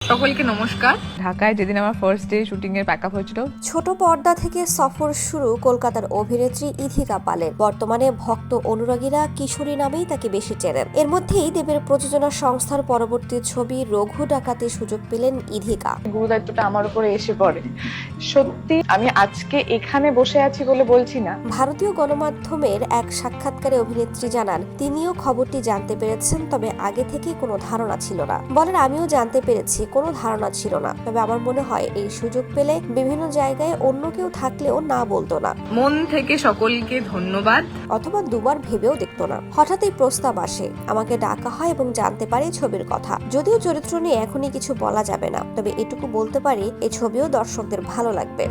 সকলকে নমস্কার। ঢাকায় যেদিন আমার ফার্স্ট ডে শুটিং এর প্যাকআপ হয়েছিল, ছোট পর্দা থেকে সফর শুরু কলকাতার অভিনেত্রী ইথিকা পালের। বর্তমানে ভক্ত অনুরাগীরা কিশোরী নামেই তাকে বেশি চেনেন। এর মধ্যেই দেবের প্রযোজনা সংস্থার পরবর্তী ছবি রঘু ডাকাতে সুযোগ পেলেন ইথিকা। গুরু দায়িত্বটা আমার উপরে এসে পড়ে। সত্যি আমি আজকে এখানে বসে আছি বলে বলছি না। ভারতীয় গণমাধ্যমের এক সাক্ষাৎকারে অভিনেত্রী জানান, তিনিও খবরটি জানতে পেরেছেন, তবে আগে থেকে কোনো ধারণা ছিল না। বলেন, আমিও জানতে পেরেছি, কোনো ধারণা ছিল না, তবে আমার মনে হয় এই সুযোগ পেলে বিভিন্ন জায়গায় অন্য কেউ থাকলেও না বলতো না, মন থেকে সকলকে ধন্যবাদ। অথবা দুবার ভেবেও দেখতো না। হঠাৎই প্রস্তাব আসে, আমাকে ডাকা হয় এবং জানতে পারি ছবির কথা। যদিও চরিত্র নিয়ে এখনই কিছু বলা যাবে না, তবে এটুকু বলতে পারি এই ছবিও দর্শকদের ভালো লাগবে।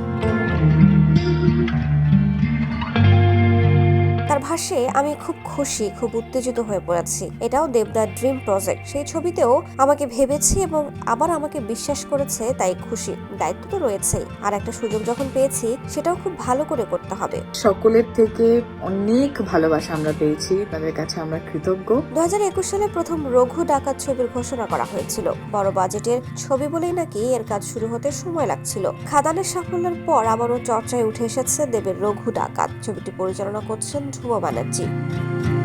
তার ভাষ্যে, আমি খুব খুশি, খুব উত্তেজিত হয়ে পড়েছি। এটাও দেবদার ড্রিম প্রজেক্ট। সেই ছবিতেও আমাকে ভেবেছি এবং আবার আমাকে বিশ্বাস করেছে, তাই খুশি। দায়িত্ব তো রয়েছেই, আর একটা সুযোগ যখন পেয়েছি সেটাও খুব ভালো করে করতে হবে। সকলের থেকে অনেক ভালোবাসা আমরা পেয়েছি, তাদের কাছে আমরা কৃতজ্ঞ। 2021 সালে প্রথম রঘু ডাকাত ছবির ঘোষণা করা হয়েছিল। বড় বাজেটের ছবি বলেই নাকি এর কাজ শুরু হতে সময় লাগছিল। খাদানের সাফল্যের পর আবারও চর্চায় উঠে এসেছে দেবের রঘু ডাকাত। ছবিটি পরিচালনা করছেন ধ্রুব ব্যানার্জি।